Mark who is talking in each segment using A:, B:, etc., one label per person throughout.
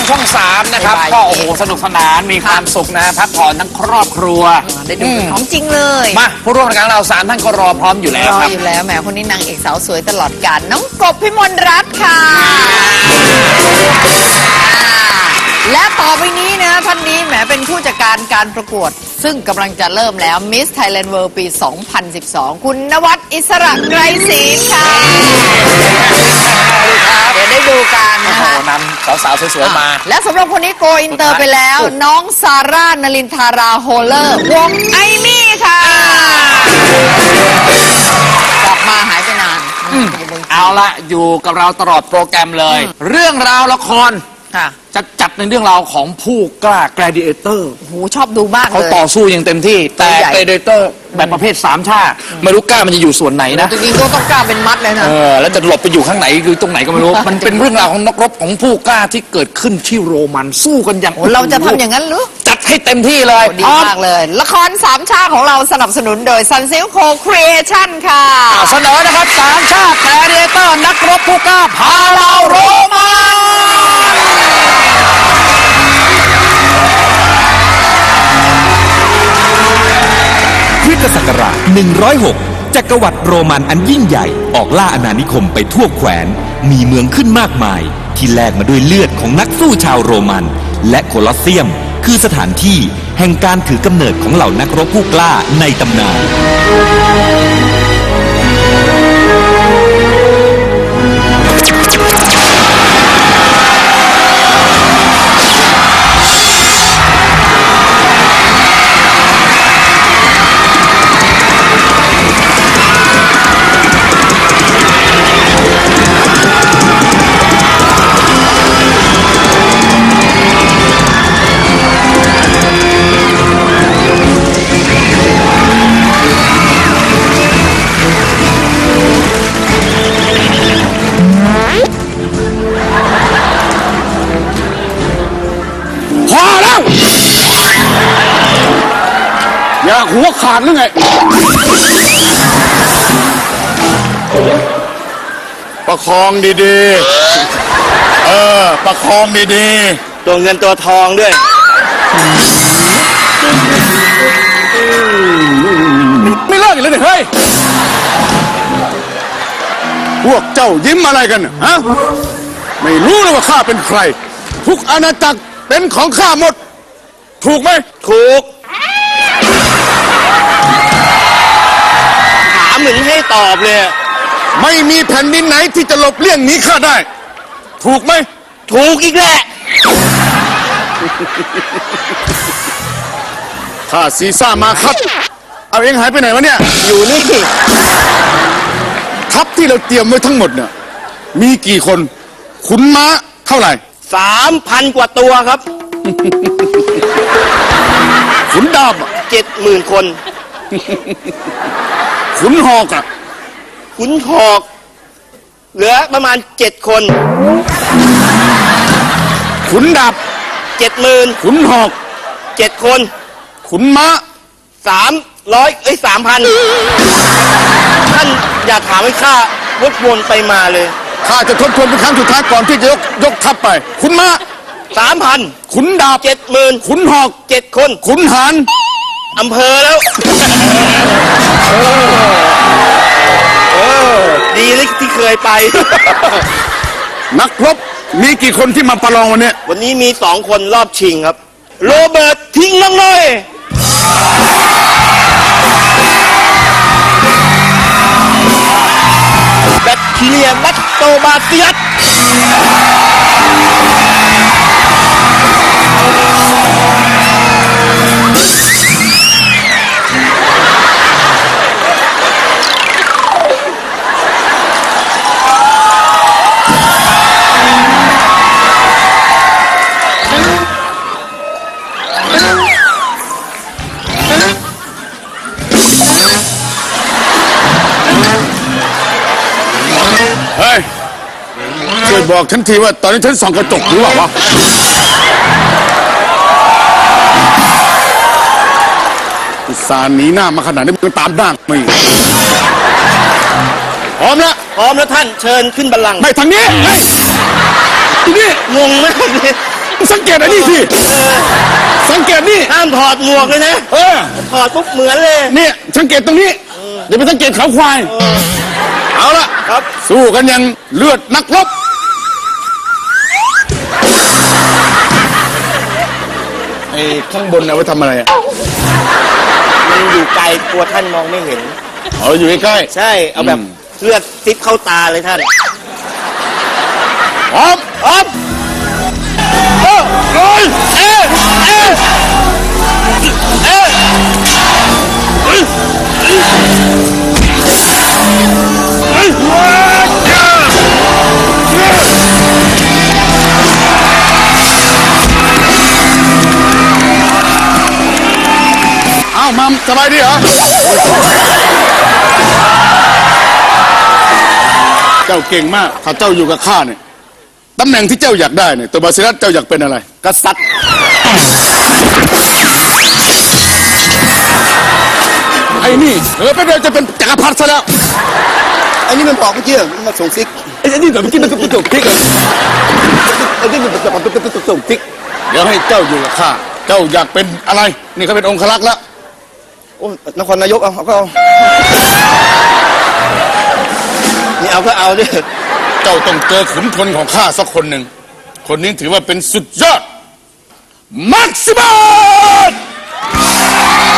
A: ช่อง 3นะครับก็โอ้โหสนุกสนานมีความสุขนะพักผ่อนทั้งครอบครัว
B: ได้ดูของจริงเลย
A: มาผู้ร่วมรายการเรา3ท่านก็รอพร้อมอยู่แล้วครับ
B: อยู่แล้วแหมคนนี้นางเอกสาวสวยตลอดกาลน้องกบพิมลรัตน์ค่ะและต่อไปนี้นะท่านนี้แหมเป็นผู้จัดการการประกวดซึ่งกำลังจะเริ่มแล้ว Miss Thailand World ปี 2012 คุณนวัดอิสระไกรศรีค่ะเดี๋ยวได้ดูกันนะคะ
A: นำสาวๆสวยๆมา
B: และสำหรับคนนี้โกอินเตอร์ไปแล้วน้องซาร่านลินทาราโฮเลอร์วงไอมี่ค่ะกลับมาหายไปนาน
A: เอาละอยู่กับเราตลอดโปรแกรมเลยเรื่องราวละครจะจัดในเรื่องราวของผู้กล้า Gladiator
B: โอ้โหชอบดูมากเลย
A: เขาต่อสู้อย่างเต็มที่แต่ Gladiator แบบประเภท3 ชาไม่รู้กล้ามันจะอยู่ส่วนไหนนะ
B: จริงๆก็ต้องกล้าเป็นมัดเลยนะ
A: แล้วจะหลบไปอยู่ข้างไหนคือตรงไหนก็ไม่รู้ มันเป็นเรื่องราวของนักรบของผู้กล้าที่เกิดขึ้นที่โรมันสู้กันอย่าง
B: เราจะทำอย่างนั้นหรือ
A: จัดให้เต็มที่เลย
B: ดีมากเลยละคร3 ชาติของเราสนับสนุนโดย Sunsilk Co-Creation ค่ะ
A: เสนอนะครับ3 ชาติ Gladiator นักรบผู้กล้าพาเราโรมัน
C: คริสตศักราช106จักรวรรดิโรมันอันยิ่งใหญ่ออกล่าอาณานิคมไปทั่วแคว้นมีเมืองขึ้นมากมายที่แลกมาด้วยเลือดของนักสู้ชาวโรมันและโคลอสเซียมคือสถานที่แห่งการถือกำเนิดของเหล่านักรบผู้กล้าในตำนาน
A: อยากหัวขาดหรือไงประคองดีๆประคองดีๆ
D: ตัวเงินตัวทองด้วย
A: ไม่เลิกอีกเลยเฮ้ยพวกเจ้ายิ้มอะไรกันฮะไม่รู้เลยว่าข้าเป็นใครทุกอาณาจักรเป็นของข้าหมดถูกไหม
D: ถูกถามเหมือนให้ตอบเลย
A: ไม่มีแผ่นดินไหนที่จะหลบเลี่ยงหนีข้าได้ถูกไหม
D: ถูกอีกแหละ
A: ข้าซีซ่ามาครับเอาเองหายไปไหนวะเนี่ย
D: อยู่นี่
A: ทัพที่เราเตรียมไว้ทั้งหมดเนี่ยมีกี่คนขุนม้าเท่าไหร่
D: 3,000 กว่าตัวครับ
A: ขุนดาบ
D: 70,000 คน
A: ขุนหอก
D: ขุนหอกเหลือประมาณ7 คน
A: ขุนดาบ
D: 70,000
A: ขุนหอก
D: 7 คน
A: ขุนม้า
D: 3,000 ท่านอย่าถามให้ข้าวกวนไปมาเลย
A: ข้าจะทบทวนเป็นครั้งสุดท้ายก่อนที่จะยกทัพไปขุนม้า
D: 3,000
A: ขุนดาบ
D: 70,000
A: ขุนหอก
D: 7 คน
A: ขุนหาร
D: อำเภอแล้วดีเลยที่เคยไป
A: นักรบมีกี่คนที่มาประลอง
D: วันนี้มี2 คนรอบชิงครับโรเบิร์ตทิ้งน้องน้อยแบคทีเรียแลคโตบาซิลัส
A: เฮ้ยช่วยบอกฉันทีว่าตอนนี้ฉันส่องกระจกหรือเปล่าวะอุตส่าห์หนีหน้ามาขนาดนี้มันตามหน้าไม่พร้อมแล้ว
D: ท่านเชิญขึ้นบัลลังก์
A: ไม่ทางนี้ทีนี้
D: งงไหม
A: สังเกตอันนี้สิสังเกตนี่
D: ห้ามถอดหมวกเลยนะ ถอดปุ๊บเหมือนเลย
A: เนี่ยสังเกตตรงนี้อย่าไปสังเกตเขาควายเอาละ
D: ครับ
A: สู้กันอย่างเลือดนักรบไอ้ข้างบนเอาไว้ทำอะไรอ่ะ
D: มันอยู่ไกลกลัวท่านมองไม่เห็น
A: เอาอยู่ใกล้
D: ใช่ เอาแบบเลือดซิบเข้าตาเลยท่าน
A: ๆพร้อม
D: อ๊อฟ
A: เอ้ยเอามัมสบายดีเหรอ เจ้าเก่งมาก ถ้าเจ้าอยู่กับข้าเนี่ย ตำแหน่งที่เจ้าอยากได้เนี่ยตัวบาซิลัสเจ้าอยากเป็นอะไร
D: กษัตริย์
A: ไอ้นี่ไปเดี๋ยวจะเป็นจักรพรรดิซะแล้ว
D: อันนี้มันบอกเมื่อกี้มันมาส่งซิก
A: ไอ้นี่แบบเมื่อกี้มันตุกติ๊กไอ้นี่มันตุกติ๊กเดี๋ยวให้เจ้าอยู่กับข้า เจ้าอยากเป็นอะไร นี่เขาเป็นองครักษ์แล้ว
D: โอ้นครนายกเอาก็เอานี่เอาก็เอาดิ
A: เจ้าต้องเจอขุนพลของข้าสักคนหนึ่ง คนนี้ถือว่าเป็นสุดยอด มักซิมัส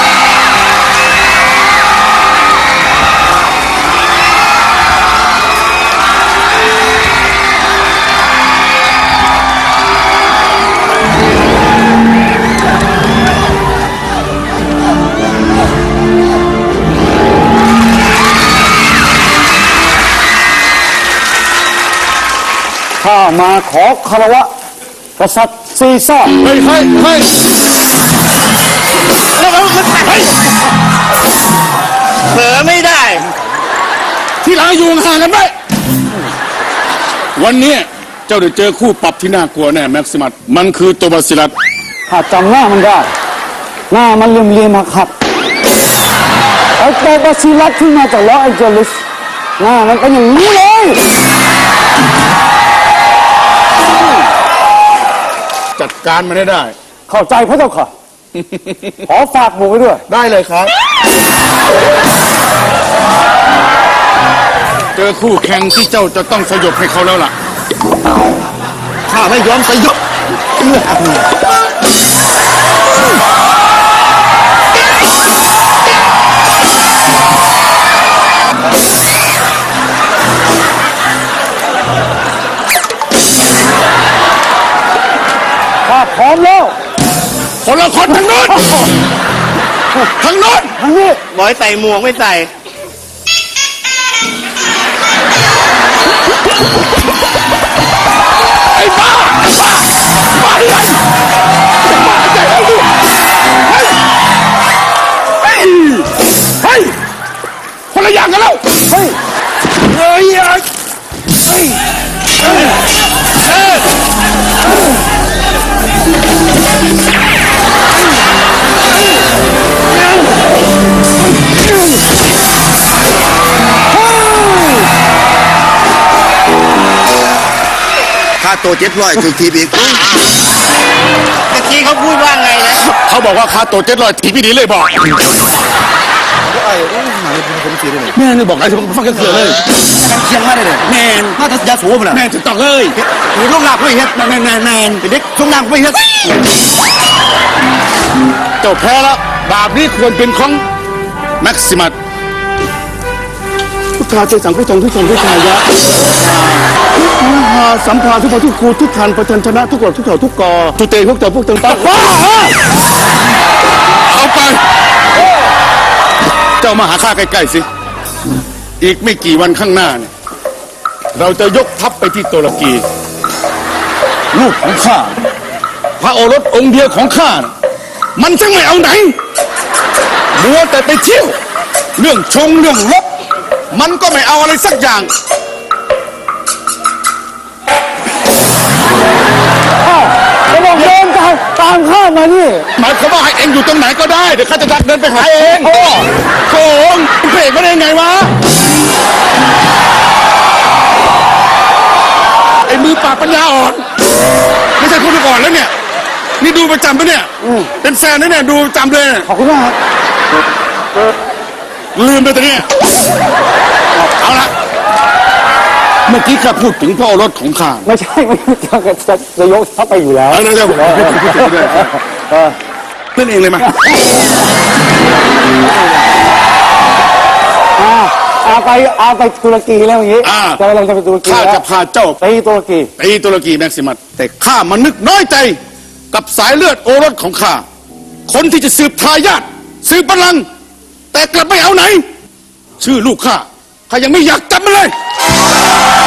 E: ข้ามาขอคารวะกษัตริย์ซีซ่าร์
A: เฮ้ยเฮ้ยเฮ้ย
D: เผลอไม่ได้
A: ที่หลังอยู่ห่างกันไว้วันนี้เจ้าได้เจอคู่ปรับที่น่ากลัวแน่แม็กซิมัส มันคือตัวบาซิลัส
E: ข้าจำหน้ามันได้ หน้ามันเหลี่ยมๆหักขัดไอ้ตัวบาซิลัสที่มาจากลอสแองเจลิสหน้ามันเป็นอย่างนี้เลย
A: จัดการมันให้ได้
E: เข้าใจพระเจ้าค่ะ ขอฝากหมูไว้ด้วย
A: ได้เลยครับ เจอคู่แข่งที่เจ้าจะต้องสยบให้เขาแล้วล่ะ
D: ข้าไม่ยอมสยบ
E: ข้าพร้อมแล้ว
A: คนละคนทางโน้นทางโน้น
E: ทางนี้
D: บอยใส่หมวกไม่ใส่
A: ไอ้บ้าบ้าอะไรบ้าใจเราดิเฮ้ยเฮ้ยคนละอย่างกันแล้ว
E: เฮ้ย
A: เฮ้ยเฮ้ย
D: ค่าตัว700ถึงทีอีกเมื่อกี้เขาพูดว่าไงนะ
A: เขาบอกว่าค่าตัว700ทีพี่ดีเลยบอก
D: ไอ้หายผมสีได้ไหม
A: แม่นี่บอกไอ้ที่ผมฟังกันเสือเลย
D: เชียงมาได้เลยแมนมาแต่ยาสูบนะ
A: แม่จะต้องเลย
D: หรือลูกหลับไม่เฮ็ดแมนเด็กช่วงล่างไม่เฮ็ด
A: เจ้าแพ้แล้วดาบนี้ควรเป็นของแม็กซิมัสพุทธาเจสังพุทธงทุกทงทุกทายะมหาสัมภาทุกพทุกครูทุกทันประชันชนะทุกกฎทุกเถาทุกกอตุเตพวกเจ้าพวกเติงตาเอาไป เจ้ามาหาข้าใกล้ๆสิ อีกไม่กี่วันข้างหน้าเนี่ยเราจะยกทัพไปที่ตุรกี ลูกของข้า พระโอรสองค์เดียวของข้าน่ะมันช่างไม่เอาไหนมัวแต่ไปเที่ยว เรื่องชงเรื่องรบมันก็ไม่เอาอะไรสักอย่าง
E: จะบอกเดินตามข้ามานี่
A: หมายความว่าให้เองอยู่ตรงไหนก็ได้ เดี๋ยวข้าจะดักเดินไปหาเองโกงเพลงมาได้ไงวะ ไอ้มือปราบปัญญาอ่อน ไม่ใช่คนอ่อนแล้วเนี่ยนี่ดูประจำปะเนี่ย เป็นแฟนนะเนี่ยดูประจำเลย
E: ขอบคุณมากครับ
A: ลืมไปตัวเนี้ยเอาละเมื่อกี้ข้าพูดถึงพระโอรสของข้า
E: ไม่ใช่ไม่จะยกทัพไปอยู่แล้ว
A: เดี๋ยวผม
E: เออ
A: เล่นเองเลยมา
E: เอาไปตุรกีแล้วอย่างนี้
A: อ่า
E: จะเราจะไปตุรกี
A: ข้า
E: แล้ว
A: จะพาเจ้า
E: ไปตุรกี
A: ตีตุรกีแม็กซิมัสแต่ข้ามันนึกน้อยใจกับสายเลือดโอรสของข้าคนที่จะสืบทายาทสืบบัลลังก์แต่กลับไม่เอาไหน ชื่อลูกข้ายังไม่อยากจำมันเลย